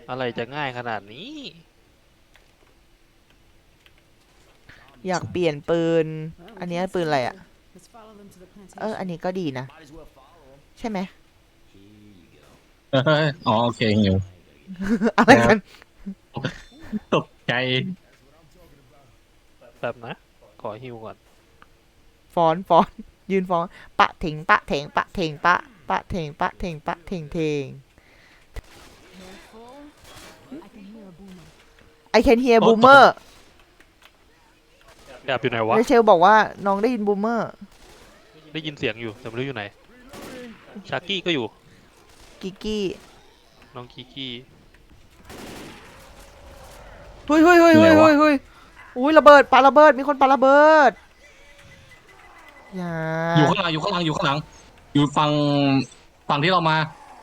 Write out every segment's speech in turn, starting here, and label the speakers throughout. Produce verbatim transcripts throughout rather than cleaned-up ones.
Speaker 1: อะไรจะง่ายขนาดนี้
Speaker 2: อยากเปลี่ยนปืนอันนี้ปืนอะไรอ่ะเอออันนี้ก็ดีนะใช่ไหม
Speaker 3: เฮ้ยอ๋อโอเคหิว
Speaker 2: อะไร
Speaker 3: ครับ
Speaker 2: กัน
Speaker 3: ตกใจ
Speaker 1: แบบนะขอฮิวก่อน
Speaker 2: ฟอนฟอนยืนฟอนปะเถงปะเถงปะเถงปะปะเถงปะเถงปะเถงเถง I can hear
Speaker 3: โอ้ตก
Speaker 2: boomer
Speaker 1: แอบอยู่ไหนวะ
Speaker 2: เรเชลบอกว่าน้องได้ยิน boomer
Speaker 1: ได้ยินเสียงอยู่แต่ไม่รู้อยู่ไหนชากี้ก็อยู่
Speaker 2: กิกกี้
Speaker 1: น้องกิกี้
Speaker 2: เฮ้ยเฮ้ยเฮ้ยเฮ้ยเฮ้ยเฮ้ยอุ้ยระเบิดปาระเบิดมีคนปาระเบิดอย่า
Speaker 3: อยู่ข้างหลังอยู่ข้างหลังอยู่ข้างหลัง อยู่ฝั่งฝั่งที่เรามา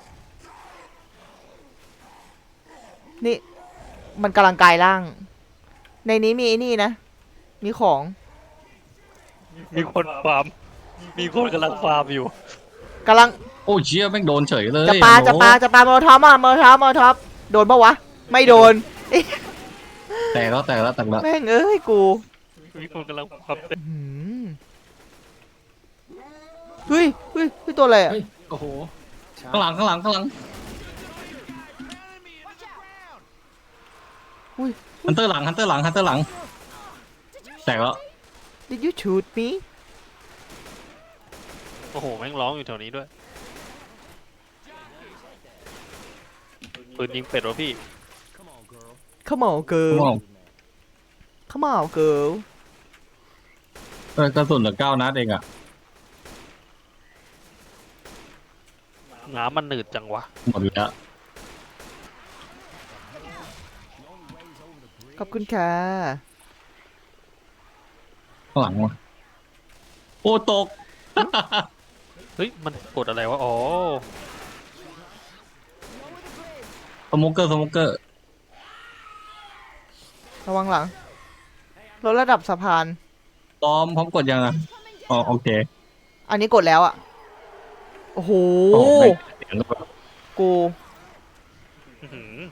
Speaker 2: นี่มันกำลังกายร่าง ในนี้มีไอ้นี่นะ มีของ
Speaker 1: มีคนฟาร์มมีคนกำลังฟาร์มอยู่
Speaker 2: กำลัง
Speaker 3: โอ้ยเชี่ยแม่งโดนเฉยเลย
Speaker 2: จะปาจะปาจะปาโมอท็อปอ่ะโมอท็อปโมอท็อปโดนปะวะไม่โดน
Speaker 3: แตกแล้วแตกแล้วแตกแล้ว
Speaker 2: แม่งเอ้ยกู
Speaker 1: มีคนกำลังฟาร์มเต็ม
Speaker 2: หืมเฮ้ยเฮ้ยเฮ้ยตัวอะไรอ่ะ
Speaker 3: เฮ้ยโอ้โหข้างหลังข้างหลังข้างหลัง
Speaker 2: อุ้ย
Speaker 3: ฮันเตอร์หลังฮันเตอร์หลังฮันเตอร์หลังแตกแล้ว
Speaker 2: Did you shoot me
Speaker 1: โอ้โหแม่งร้องอยู่แถวนี้ด้วยปืนยิงเป็ดวะพี่
Speaker 2: Come on girl
Speaker 3: มอง
Speaker 2: Come on girl
Speaker 3: เออกระสุนเหลือเก้านัดเองอ่ะ
Speaker 1: น้ำมันหนืดจังวะ
Speaker 3: หมดแล้ว
Speaker 2: ขอบคุณค่ะ
Speaker 3: ข้างหลังวะโอ้ตก
Speaker 1: เฮ้ยมันกดอะไรวะอ๋อ
Speaker 3: สโมกเกอร์สโมกเกอร์
Speaker 2: ระวังหลังลดระดับสะพาน
Speaker 3: พร้อมพร้อมกดยังอ่ะอ๋อโอเค
Speaker 2: อันนี้กดแล้วอ่ะ โอ้โห
Speaker 3: โอ้ไม่เสียงด้วย
Speaker 2: กู
Speaker 1: อื้อหือ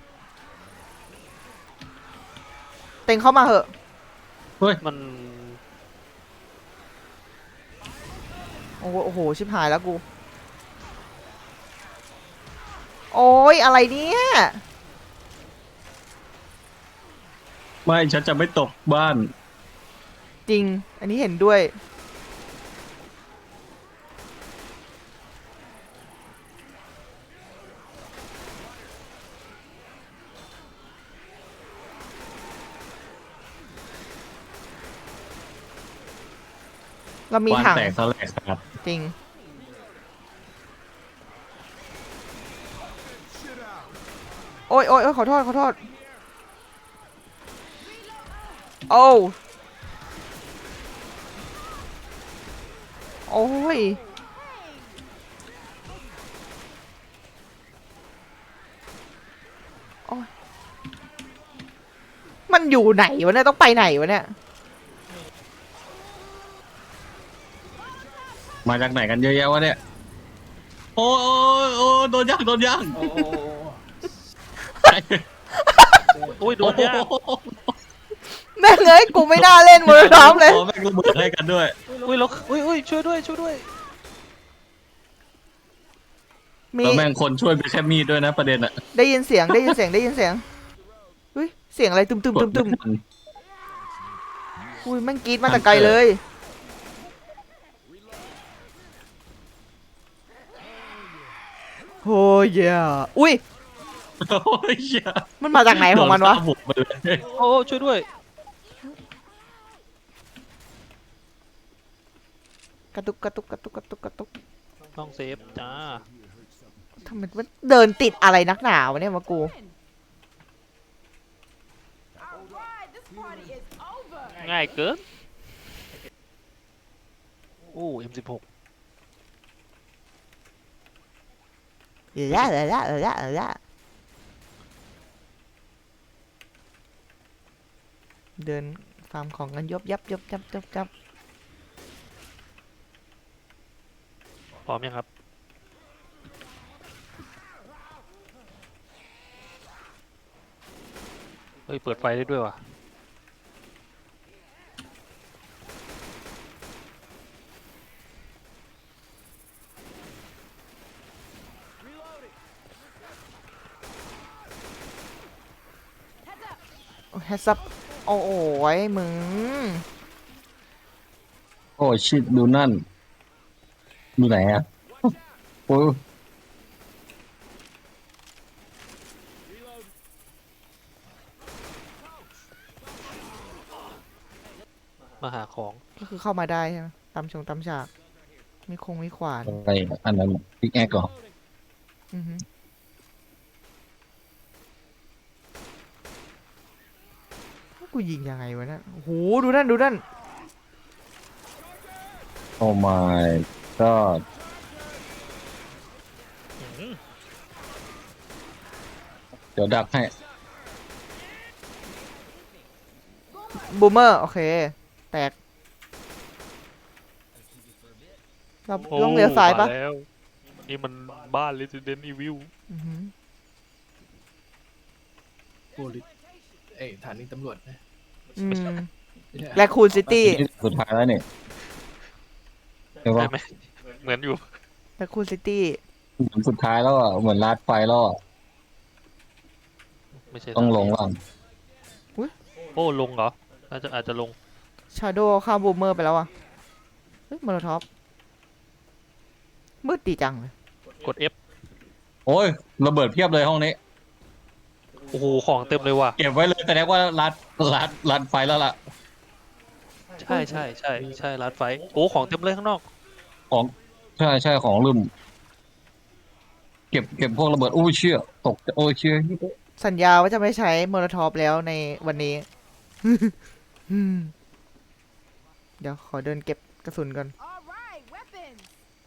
Speaker 2: เต็งเข้ามาเหอะ
Speaker 3: เฮ้ย
Speaker 1: มัน
Speaker 2: โอ้โหโอ้โห ชิบหายแล้วกู โอ้ยอะไรเนี่ย
Speaker 3: ไม่ฉันจะไม่ตกบ้าน
Speaker 2: จริง อันนี้เห็นด้วย เรามี
Speaker 3: บ้าน
Speaker 2: ถัง
Speaker 3: แตกสลายครับ
Speaker 2: จริง โอ้ยโอ้ยโอ้ยขอโทษ ขอโทษ โอ้โอ้ย โอ้ย มันอยู่ไหนวะเนี่ย ต้องไปไหนวะเนี่ย
Speaker 3: มาจากไหนกันเยอะแยะวะเนี่ยโอ้ยโอ้ยโอ้ยโดนย่างโดนย่าง
Speaker 1: โอ้ยโดนยาก
Speaker 2: แม่งเอ้ยกูไม่น่าเล่นมือร้อมเลย
Speaker 3: โอ้แม่งระเบิดให้กันด้วย
Speaker 1: อุ้ยแล้วอุ้ยอุ้ยช่วยด้วยช่วยด้วย
Speaker 2: มี
Speaker 3: แล้วแม่งคนช่วยมีแค่มีดด้วยนะประเด็นอะ
Speaker 2: ได้ยินเสียงได้ยินเสียงได้ยินเสียงเฮ้ยเสียงอะไรตึมตึมตึมตึมอุ้ยแม่งกรีดมาแต่ไกลเลยโอ้ยเย่อุ้ย
Speaker 3: โอ้ยเหี้ย
Speaker 2: มันมาจากไหนของมันวะ
Speaker 3: โดฆ่าบุกไปเลย
Speaker 1: โอ้ช่วยด้วย
Speaker 2: กระตุกกระตุกกระตุกกระตุกกระตุก
Speaker 1: ต้องเซฟจ้า
Speaker 2: ทำไมมันเดินติดอะไรนักหนาวะเนี่ยมากู
Speaker 1: ง่ายเกินโอ้ เอ็ม สิบหก
Speaker 2: เออละเออละเออละเออละเดินฟาร์มของกันยบยับยบยับยับยับ
Speaker 1: พร้อมยังครับเฮ้ยเปิดไฟได้ด้วยว่ะ
Speaker 2: แฮซับโอ้โหยมึง
Speaker 3: โอ้ชิดดูนั่นดูไหนอ่ะโอ้ย
Speaker 1: มาหาของ
Speaker 2: ก็คือเข้ามาได้ใช่ไหมตามชงตามฉากมีคงมีขวาน
Speaker 3: อะไรอันนั้นพิกแอคก่อน
Speaker 2: อือฮึกูยิงยังไงวะเนะโอ้โหดูนั่นดูนั่น
Speaker 3: โอ้ my god
Speaker 1: อืม
Speaker 3: เดี๋ยวดักให้
Speaker 2: บูมเมอร์โอเคแตกเรา
Speaker 1: โอ้
Speaker 2: ต้องเลี้ยวซ้ายปะ
Speaker 1: มแล้วนี่มันบ้าน Resident Evil
Speaker 2: อือฮึ
Speaker 4: โพลิสเอ้ยฐานีตำรวจนะ
Speaker 2: อืม
Speaker 4: ไม่ใช่
Speaker 2: แรคคูนซิตี้
Speaker 3: สุดท้ายแล้วเนี่ยใช่ปะ
Speaker 1: ใช่ไหมเหมือนอยู่
Speaker 2: แรคคูนซิตี้
Speaker 3: เหมือนสุดท้ายแล้วอ่ะเหมือนลาดไฟแล้วอ่ะ
Speaker 1: ไม่ใช่
Speaker 3: ต้องลง
Speaker 1: ทา
Speaker 3: ล่าง
Speaker 1: โอ้ลงเหรอน่าจะอาจจะลง
Speaker 2: ชาโดว์ข้ามบูมเมอร์ไปแล้วอ่ะเฮ้ยมอลท็อปมืดดีจังเลย
Speaker 1: กด F
Speaker 3: โอ้ยระเบิดเพียบเลยห้องนี้
Speaker 1: โอ้โหของเต็มเลยว่ะ
Speaker 3: เก็บไว้เลยแต่แรกว่าลาดลาดลาดไฟแล้วล่ะ
Speaker 1: ใช่ใช่ใช่ใช่รัดไฟโอ้ของเต็มเลยข้างนอก
Speaker 3: ของใช่ใช่ของลืมเก็บเก็บพวกระเบิดโอ้ยเชี่ยตกโอ้ยเชี่ย
Speaker 2: สัญญาว่าจะไม่ใช้มอลท็อปแล้วในวันนี้ อืมเดี๋ยวขอเดินเก็บกระสุนก่อน
Speaker 5: All right, weapons.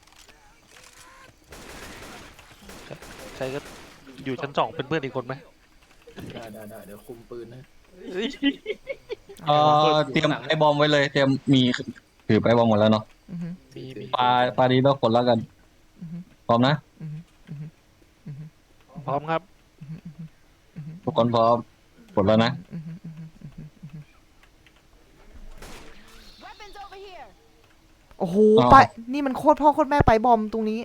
Speaker 1: ใครก็อยู่ชั้นสองเป็นเพื่อนอีกคนไหม
Speaker 4: ได้ได้ได้เดี๋ยวคุมปืนนะ
Speaker 1: เฮ้ย
Speaker 3: เออเตรียมไอบอมไว้เลยเตรียมมีถือไปบอมหมดแล้วเนาะ
Speaker 2: อือฮึ
Speaker 1: มีมี
Speaker 3: ปลาปลาดีแล้วคนแล้วกัน
Speaker 2: อือฮึ
Speaker 3: พร้อมนะ
Speaker 2: อือฮึอือฮึอือฮึ
Speaker 1: พร้อมครับ
Speaker 3: ทุกคนพร้อมกดแล้วนะ
Speaker 2: อือฮึอือฮึ
Speaker 5: Weapons over here.
Speaker 2: โอ้โห
Speaker 3: อ้าว
Speaker 2: ไปนี่มันโคตรพ่อโคตรแม่ไปบอมตรงนี้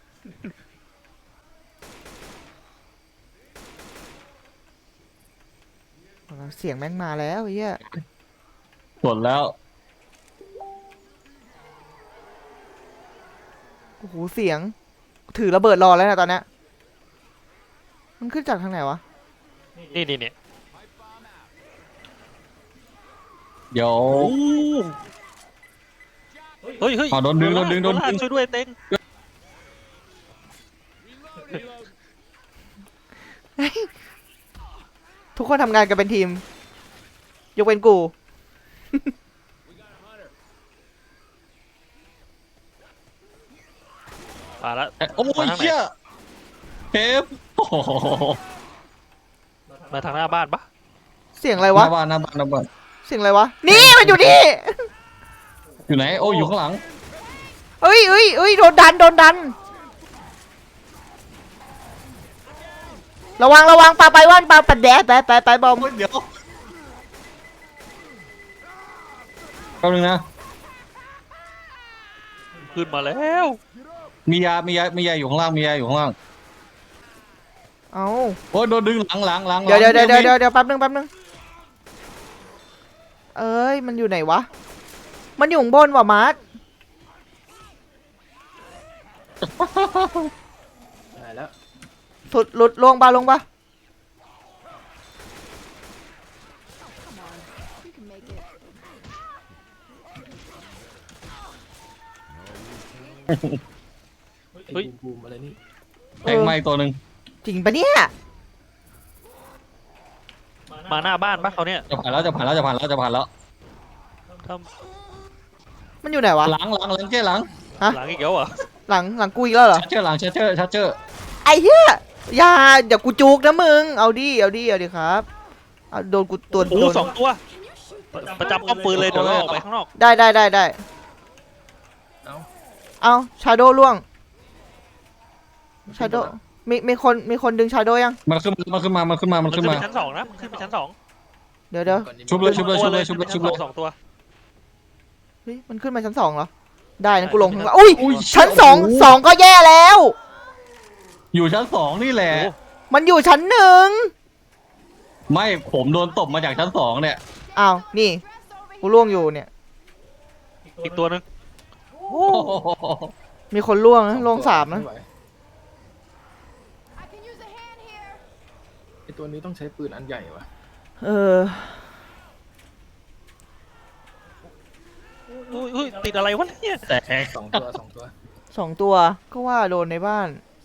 Speaker 2: เอาละเสียงแม่งมาแล้วไอ้เหี้ย
Speaker 3: กดแล้ว
Speaker 2: โอ้โหเสียง ถือระเบิดรอแล้วนะตอนเนี้ยมันขึ้นจากทางไหนวะ
Speaker 1: นี่นี่เนี่ย
Speaker 3: เดี๋ยว
Speaker 1: เฮ้ยเฮ้ย
Speaker 3: อ๋อโดนดึงโดนดึงโดนดึง
Speaker 1: ช่วยด้วยเต็ง
Speaker 2: ทุกคนทำงานกันเป็นทีม ยกเว้นกู
Speaker 1: มาละ
Speaker 3: โอ้ยเชี่ยเทปโอ้โห
Speaker 1: มาทางหน้าบ้านปะ
Speaker 2: เสียงอะไร
Speaker 3: ห
Speaker 2: วะ
Speaker 3: น้าบ้านหน้าบ้านหน้าบ้าน
Speaker 2: เสียงอะไรวะ นี่มันอยู่นี่
Speaker 3: อยู่ไหนโอ้ยอยู่ข้างหลัง
Speaker 2: เอ้ยเอ้ยเอ้ยโดนดัน โดนดัน ระวัง ระวังปลาไปว่านปลาปัดแดดไปไปไปบอม
Speaker 3: โอ้ยเดี๋ยวแป๊บนึงนะ
Speaker 1: ขึ้นมาแล้ว
Speaker 3: มียามียามียาอยู่ข้างล่างมียาอยู่ข้างล่าง
Speaker 2: เอา
Speaker 3: โอ้ยโดนดึงหลังหลังหลัง
Speaker 2: เดี๋ยวเดี๋ยว
Speaker 3: หลั
Speaker 2: เดี๋ยว
Speaker 3: ง
Speaker 2: เดี๋ยวเดี๋ยวแป๊บนึงแป๊บนึง เอ้ย มันอยู่ไหนวะ มันอยู่ข้างบนว่ะมาร์ท
Speaker 4: ได้แล้ว
Speaker 2: สุดหลุดลงปะลงปะ
Speaker 5: You can make it.
Speaker 4: ไอ้บูมบูมอะไรนี่
Speaker 3: แทงไม้ตัวหนึ่ง
Speaker 2: จริงปะเนี่ย
Speaker 1: มาหน้าบ้านปะเขาเนี่ย
Speaker 3: จะผ่านแล้วจะผ่านแล้วจะผ่านแล้วจะผ่านแล้ว
Speaker 1: ถ้า
Speaker 2: มันอยู่ไหนวะ
Speaker 3: หลังหลังหลังเจ้หลัง
Speaker 1: หลังอีกแล้วเหรอ
Speaker 2: หลังหลังกูอีกแล้วเหรอ
Speaker 3: ชัดเจอหลังชัดเจอชัดเจอ
Speaker 2: ไอ้เหี้ยอย่าเดี๋ยวกูจุกนะมึง เอาดิ เอาดิ เอาดิครับเอาโดนกูตัว
Speaker 1: โอ้
Speaker 2: โดน
Speaker 1: สองตัว ประจำป้อมปืนเลยเดี๋ยวเราออกไปข้างนอก
Speaker 2: ได้ได้ได้ได้
Speaker 4: เอ้า
Speaker 2: เอาชาโดล่วง ชาโดมีมีคนมีคนดึงชาโดยัง
Speaker 3: มันขึ้นมันขึ้นมามันขึ้นมามัน
Speaker 1: มัน
Speaker 3: ขึ้
Speaker 1: ขึ้
Speaker 3: น
Speaker 1: น
Speaker 3: มา
Speaker 1: ไปชั้นสองนะมันขึ้นไปชั้นสอง
Speaker 2: ดี๋ยวเดี๋ยว
Speaker 4: ก่อนนี้
Speaker 3: ชุบเลยชุบเลย
Speaker 1: ตัว
Speaker 3: ชุบเลยชุบเลยชุบเลย
Speaker 1: สองตัว
Speaker 2: เฮ้ยมันขึ้นมาชั้นสองเหรอได้นะ
Speaker 1: ใช่
Speaker 2: กูลงข้างล่างอุ้ย
Speaker 3: อุ้ย
Speaker 2: ชั้นสอง
Speaker 3: โอ้โห
Speaker 2: สองก็แย่แล้ว
Speaker 3: อยู่ชั้นสองนี่แหละ
Speaker 1: โอ้
Speaker 2: มันอยู่ชั้นหนึ่ง
Speaker 3: ไม่ผมโดนตบมาจากชั้นสองเนี่ย
Speaker 2: อ้าวนี่
Speaker 5: Dress over
Speaker 2: กู
Speaker 5: here.
Speaker 2: ล่วงอยู่เนี่ย
Speaker 1: อีกตัวหนึง
Speaker 2: โอ้มีคนล่วงนะล่วงสามนะ
Speaker 4: ไไหว
Speaker 5: I can use a hand here.
Speaker 4: ไอตัวนี้ต้องใช้ปืนอันใหญ่วะ
Speaker 2: เออ
Speaker 1: อุ้ยอุ้ยติดอะไรวะเนี่ย
Speaker 3: แต่
Speaker 4: สองตัวสองตัว
Speaker 2: สองตัวก็ว่าโดนในบ้าน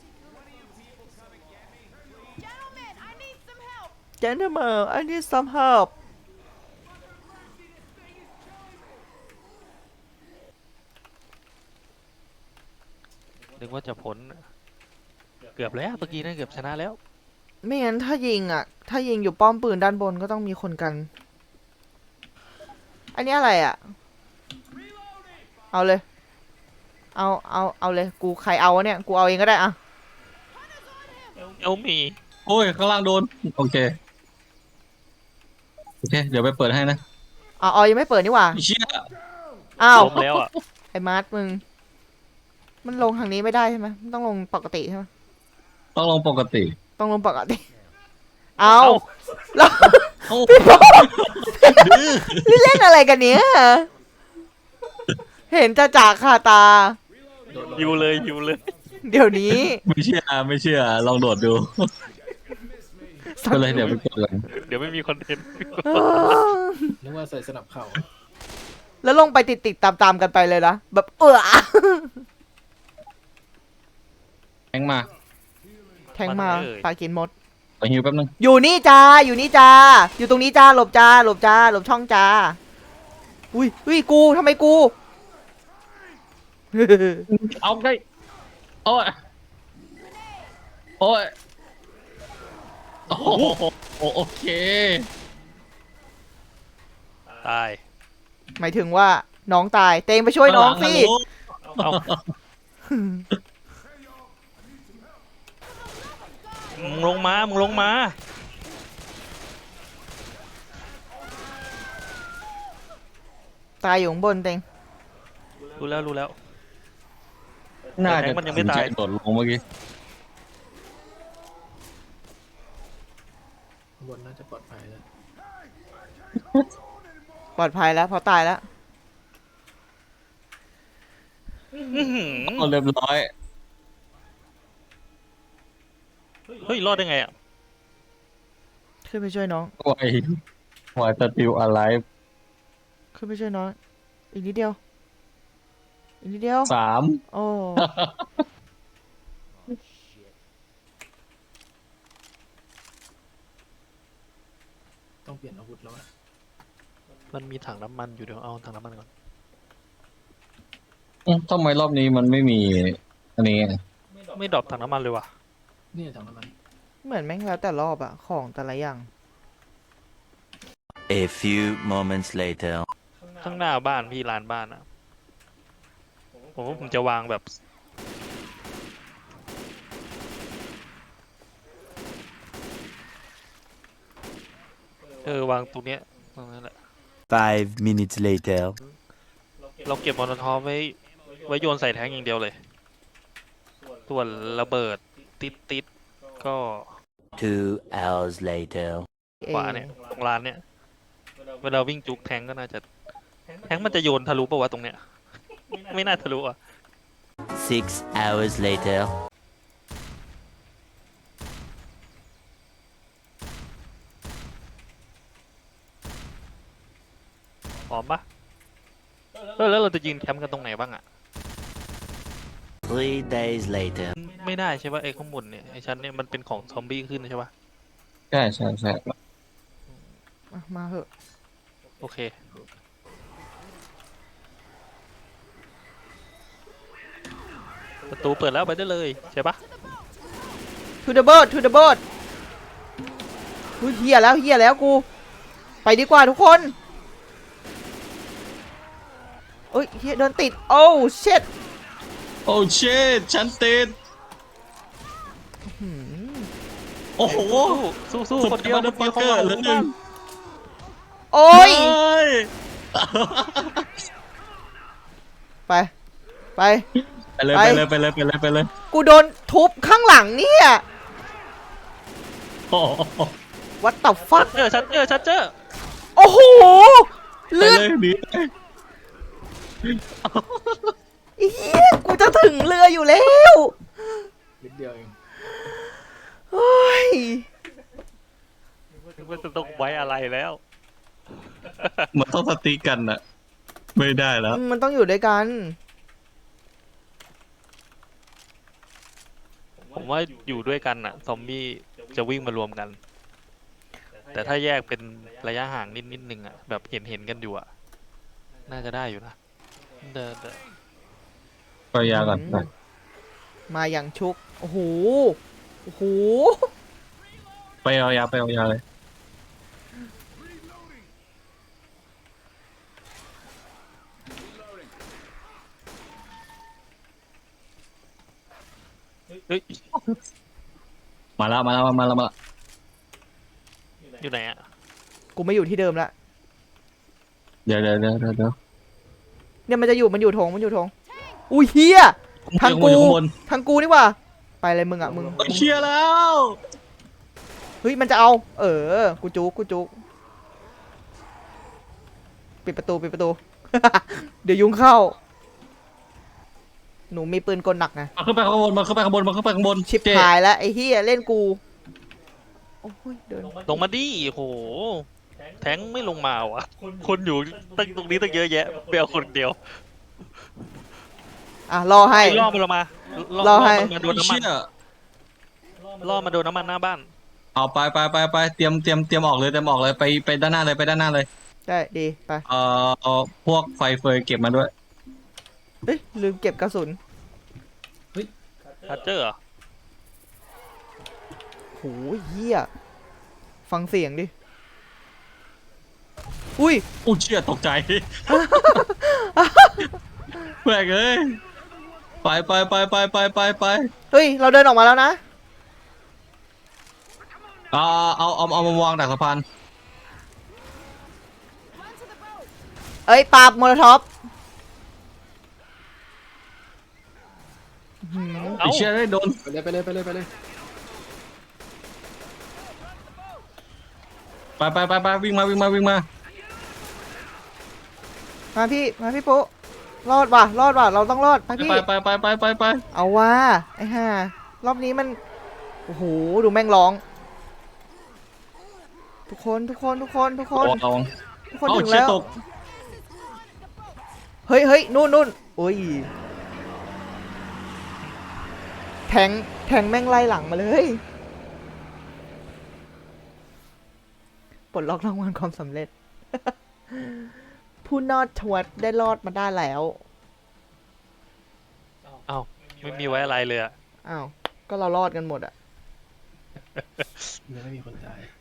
Speaker 5: Gentlemen, I need some help.
Speaker 2: Gentlemen I need some help
Speaker 1: นึกว่าจะพ้นเกือบแล้วเมื่อกี้นั่นเกือบชนะแล้ว
Speaker 2: ไม่งั้นถ้ายิงอ่ะ ถ้ายิงอยู่ป้อมปืนด้านบนก็ต้องมีคนกัน อันนี้อะไรอ่ะ เอาเลย เอา เอา เอาเลย กูใครเอาวะเนี่ย กูเอาเองก็ได้อะ
Speaker 1: เอามี
Speaker 3: โอ้ยข้างล่างโดนโอเคโอเค เดี๋ยวไปเปิดให้นะ
Speaker 2: อ๋ออ๋อยังไม่เปิดนี่หว่า
Speaker 3: เชี่ย
Speaker 2: อ้าว
Speaker 1: ล้มแล้วอ่ะ
Speaker 2: ไอ้มาร์ทมึง มันลงทางนี้ไม่ได้ใช่ไหมมันต้องลงปกติใช่ไหม
Speaker 3: ต้องลงปกติ
Speaker 2: ต้องลงปกติ เอา
Speaker 1: เอ้า
Speaker 2: แล้ว
Speaker 3: เอ้า
Speaker 2: นี่เล่นอะไรกันเนี้ยเห็นจะจากคาตา
Speaker 4: โดนลง
Speaker 1: ยิวเลยยิวเลย
Speaker 2: เดี๋ยวนี้
Speaker 3: ไม่เชื่อไม่เชื่อลองโดดดูก็เลยเดี๋ยวไปกดกัน
Speaker 1: เดี๋ยวไม่มีคอนเทนต์
Speaker 2: เออ
Speaker 4: นึกว่าใส่สนับเข่า
Speaker 2: แล้วลงไปติดติดตามตามๆกันไปเลยนะแบบเออ
Speaker 3: แทงมา
Speaker 2: แทงมาปากินมด
Speaker 3: ไปฮิวแป๊บนึง
Speaker 2: อยู่นี่จ้า อยู่นี่จ้า อยู่ตรงนี้จ้า หลบจ้า หลบจ้า หลบช่องจ้า อุ้ยอุ้ยกูทำไมกู
Speaker 3: เอาได้โอ้ยโอ้ยโอ้โหโอเค
Speaker 1: ตาย
Speaker 2: หมายถึงว่าน้องตาย เตงไปช่วยน้องสิ
Speaker 1: เอามึงลงมามึงลงมา
Speaker 2: ตายอยู่ข้างบนเตง
Speaker 1: รู้แล้วรู้แล้ว
Speaker 3: น่า
Speaker 1: แต่
Speaker 3: จะ
Speaker 1: แทงมันยังไม่ตาย
Speaker 3: โดดลงเมื่อกี้
Speaker 4: ข้างบนน่าจะปลอดภัยแล้ว
Speaker 2: ปลอดภัยแล้วเพราะตายแล้ว
Speaker 1: อื้อหือ
Speaker 3: เอาเรียบร้อย
Speaker 1: เฮ้ยรอดได้ไงอ่ะ
Speaker 2: ขึ้นไปช่วยน้อง
Speaker 3: ไวไวสติลอะไร
Speaker 2: ขึ้นไปช่วยน้อง อีกนิดเดียว อีกนิดเดียว
Speaker 3: สาม
Speaker 2: โอ้
Speaker 4: ต้องเปลี่ยนอาวุธแล้วอะ
Speaker 1: มันมีถังน้ำมันอยู่เดี๋ยวเอาถังน้ำมันก่อน
Speaker 3: อืมทำไมรอบนี้มันไม่มีอันนี้
Speaker 1: ไม่ดรอปถังน้ำมันเลยว่ะ
Speaker 4: นี่ถังน้ำมัน
Speaker 2: เหมือนแม่งแล้วแต่รอบอะของแต่ละอย่าง
Speaker 6: A few moments later.
Speaker 1: ข้างหน้าบ้านพี่ลานบ้านอ่ะผมว่าผมจะวางแบบเออวางตรงเนี้ยตรงนั้นแหละ
Speaker 6: Five minutes later.
Speaker 1: เราเก็บมอลโทอฟไว้ไว้โยนใส่แท้งอย่างเดียวเลย ส่วนระเบิดติดติดๆก็
Speaker 6: Two hours later.
Speaker 1: ขวาเนี่ยตรงลานเนี่ยเวลาวิ่งจุกแทงก็น่าจะแทงมันจะโยนทะลุปะวะตรงเนี้ย ไม่น่าทะลุอ่ะ
Speaker 6: Six hours later.
Speaker 1: พร้อมปะเออแล้วเราจะยืนแคมป์กันตรงไหนบ้างอ่ะ
Speaker 6: Three days later.
Speaker 1: ไม่ได้ใช่ปะไอ้ข้างบนเนี่ยไอ้ชั้นเนี่ยมันเป็นของซอมบี้ขึ้นใช่ปะ
Speaker 3: ใช่ใช่ใช่
Speaker 2: อ่ะมาเหอะ
Speaker 1: โอเคประตูเปิดแล้วไปได้เลยใช่ปะ
Speaker 2: to the boat to the boat อุ๊ยเฮียแล้วเฮียแล้วกู ไปดีกว่าทุกคนเอ้ยเฮียเดินติด โอ้เช็ด
Speaker 3: โอ้เชดฉันติดโอ้โห
Speaker 1: สู้สู้ๆคนเดียวคนเดียวเขา
Speaker 3: เหลือหนึ่ง
Speaker 2: โอ้ย
Speaker 3: เฮ้ย
Speaker 2: ไป ไป
Speaker 3: ไปเลย
Speaker 2: ไป
Speaker 3: ไปเลยไปเลยไปเลยไปเลย
Speaker 2: กูโดนทุบข้างหลังเนี่ย
Speaker 3: โอ้โห
Speaker 2: วัดตับฟัก
Speaker 1: เจอชัดเจอชัดเจอ
Speaker 2: โอ้โห
Speaker 3: ไป
Speaker 2: เลือด
Speaker 3: เลยหนี
Speaker 2: เฮียกูจะถึงเรืออยู่แล้ว
Speaker 4: นิดเดียวเอง
Speaker 2: โอ้ย
Speaker 1: มันจะต้องไว้อะไรแล้ว
Speaker 3: มันต้องสติกกันอะไม่ได้แล้ว
Speaker 2: มันต้องอยู่ด้วยกัน
Speaker 1: ผมว่าอยู่ด้วยกันอะซอมบี้จะวิ่งมารวมกัน แต่ถ้าแยกเป็นระยะห่างนิดนิดนึงอะแบบเห็นเห็นกันอยู่อะน่าจะได้อยู่นะเดินเดิน
Speaker 3: ไปยาก่อนไป
Speaker 2: มาอย่างชุก โอ้โห โอ้โห
Speaker 3: ไปเอายาไปเอายาเลย
Speaker 1: เฮ้ย
Speaker 3: มาแล้วมาแล้วมาแล้วมาแล้ว
Speaker 1: อยู่ไหนอะ
Speaker 2: กูไม่อยู่ที่เดิมละ
Speaker 3: เดี๋ยวเดี๋ยวเดี๋ยวเดี๋ยวเดี๋ยว
Speaker 2: เนี่ยมันจะอยู่ มันอยู่ทงมันอยู่ทงอุ้ยเฮีย ทางกู
Speaker 3: อยู่ข้างบน
Speaker 2: ทางกูนี่หว่า ไปเลยมึงอะมึง
Speaker 3: เฮ้ยเชียร์แล้ว
Speaker 2: เฮ้ยมันจะเอา เออ กูจุกกูจุกปิดประตูปิดประตู เดี๋ยวยุงเข้า หนูมีปืนกลหนักนะ
Speaker 3: มาขึ้นไปข้างบนมาขึ้นไปข้างบนมาขึ้นไปข้างบน
Speaker 2: ชิบ
Speaker 3: เจ๊
Speaker 2: หายแล้วไอ้เฮียเล่นกู โอ้ยเดิน
Speaker 1: ลงมาดิโห แทงไม่ลงมาวะคนอยู่ตั้งตรงนี้ตั้งเยอะแยะเบลคนเดียว
Speaker 2: อ่ะรอให้
Speaker 1: ไอ้ล่อมันลงมา
Speaker 2: รอให้
Speaker 1: มันมาโดนน้ำมัน
Speaker 3: เชี่ย
Speaker 1: ล่อมาโดนน้ำมันหน้าบ้าน
Speaker 3: เอาไปไปไปไปเตรียมเตรียมเตรียมออกเลยเตรียมออกเลยไปไปด้านหน้าเลยไปด้านหน้าเลย
Speaker 2: ได้ดีไป
Speaker 3: เอ่อเอาพวกไฟเฟยเก็บมาด้วย
Speaker 2: เฮ้ยลืมเก็บกระสุน
Speaker 1: ชัดเจอเหรอ
Speaker 2: โหเฮียฟังเสียงดิ อุ้ย
Speaker 3: อู้เชี่ยตกใจ แปลกเลยไปไปไปไปไปไปไป
Speaker 2: เฮ้ย เราเดินออกมาแล้วนะ
Speaker 3: เอาเอาเอาเอามาวางดักสะพาน
Speaker 5: Run to the boat.
Speaker 2: เอ้ยปาบโมโลท็อปหืม
Speaker 1: เอ้า
Speaker 3: ไอ้เชี่ยได้โดน
Speaker 4: ไปเลยไปเลยไปเลยไปเลย
Speaker 3: ไปไปไปไปวิ่งมาวิ่งมาวิ่งมา
Speaker 2: มาพี่ มาพี่ปุ๊รอดว่ะ รอดว่ะ เราต้องรอด ไปพี่
Speaker 3: ไปไปไปไปไปไป
Speaker 2: เอาว่าไอ้ห่ารอบนี้มัน โอ้โห ดูแม่งร้อง ทุกคน ทุกคน ทุกคน ทุกคน
Speaker 3: โอ้เอา
Speaker 2: ทุกคน
Speaker 3: เอา
Speaker 2: ถึง
Speaker 3: เชี่ย
Speaker 2: แล้ว
Speaker 3: ตก
Speaker 2: เฮ้ยเฮ้ยนู่นนู่นโอ้ย แทง แทงแม่งไล่หลังมาเลย ปลดล็อกรางวัลความสำเร็จ ผู้นอดทวดได้รอดมาได้แล้ว
Speaker 1: เอ้าไม่มีไว้อะไรเลยอะ
Speaker 2: อ้าว ก็เรารอดกันหมดอะ
Speaker 4: ยังไม่มีคนตาย